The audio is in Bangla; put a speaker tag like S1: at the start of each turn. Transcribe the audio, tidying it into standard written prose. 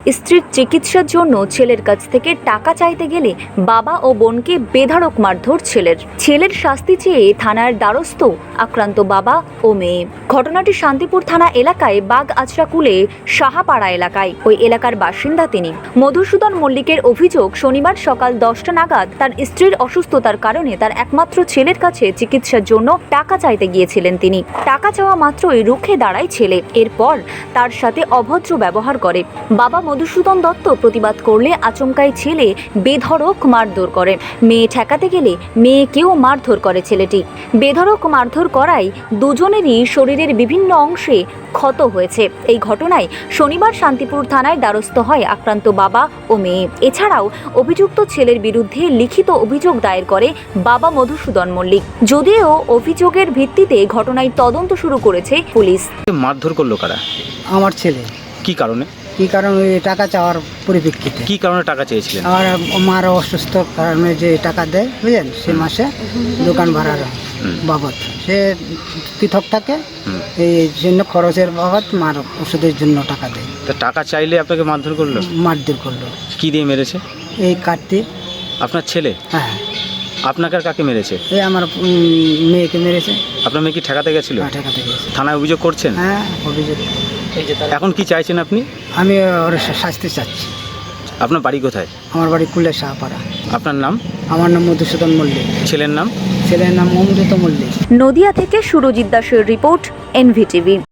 S1: স্ত্রীর চিকিৎসার জন্য ছেলের কাছ থেকে টাকা চাইতে গেলে বাবা ও বোনকে বেধড়ক মারধর ছেলের শাস্তি চেয়ে থানার দ্বারস্থ আক্রান্ত বাবা ও মেয়ে। ঘটনাটি শান্তিপুর থানা এলাকায় বাগ আচরাকুলে সাহাপাড়া এলাকায়। ওই এলাকার বাসিন্দা তিনি। মধুসূদন মল্লিকের অভিযোগ, শনিবার সকাল 10টা নাগাদ তার স্ত্রীর অসুস্থতার কারণে তার একমাত্র ছেলের কাছে চিকিৎসার জন্য টাকা চাইতে গিয়েছিলেন তিনি। টাকা চাওয়া মাত্রই রুখে দাঁড়ায় ছেলে। এরপর তার সাথে অভদ্র ব্যবহার করে। বাবা মধুসূদন দত্ত প্রতিবাদ করলে আচমকাই ছেলে বেধড়ক মারধর করে। মেয়ে ঠেকাতে গেলে মেয়েকেও মারধর করে ছেলেটি। বেধড়ক মারধর করায় দুজনেরই শরীরের বিভিন্ন অংশে ক্ষত হয়েছে। এই ঘটনায় শনিবার শান্তিপুর থানায় দ্বারস্থ হয় আক্রান্ত বাবা ও মেয়ে। এছাড়াও অভিযুক্ত ছেলের বিরুদ্ধে লিখিত অভিযোগ দায়ের করে বাবা মধুসূদন মল্লিক। যদিও অভিযোগের ভিত্তিতে ঘটনায় তদন্ত শুরু করেছে পুলিশ।
S2: মারধর করলো কারা?
S3: আমার ছেলে।
S2: কি কারণে?
S3: কি কারণ ওই টাকা চাওয়ার পরিপ্রেক্ষিতে।
S2: কি কারণে টাকা চেয়েছিলেন?
S3: আর আমার অসুস্থ কারণে যে টাকা দেয় বুঝলেন, সে মাসে দোকান ভাড়ার বাবদ সে পৃথক থাকে, এই জন্য খরচের বাবদ মার ওষুধের জন্য টাকা দেয়।
S2: তা টাকা চাইলে আপনাকে মারধর করলো?
S3: মারধর করলো।
S2: কি দিয়ে মেরেছে?
S3: এই কাটতে।
S2: আপনার ছেলে?
S3: হ্যাঁ।
S2: আপনাকে আর কাকে মেরেছে?
S3: এই আমার মেয়েকে মেরেছে।
S2: আপনার মেয়ে কি ঠেকাতে গেছিল?
S3: ঠেকাতে গেছে।
S2: থানায় অভিযোগ করছেন?
S3: হ্যাঁ, অভিযোগ।
S2: এখন কি চাইছেন আপনি?
S3: আমি ওর শাস্তি চাচ্ছি।
S2: আপনার বাড়ি কোথায়?
S3: আমার বাড়ি কুলে সাহাপাড়া।
S2: আপনার নাম?
S3: আমার নাম মধুসূদন মল্লিক।
S2: ছেলের নাম?
S3: ছেলের নাম অমৃত মল্লিক।
S1: নদিয়া থেকে সুরজিৎ দাসের রিপোর্ট, এনভিটিভি।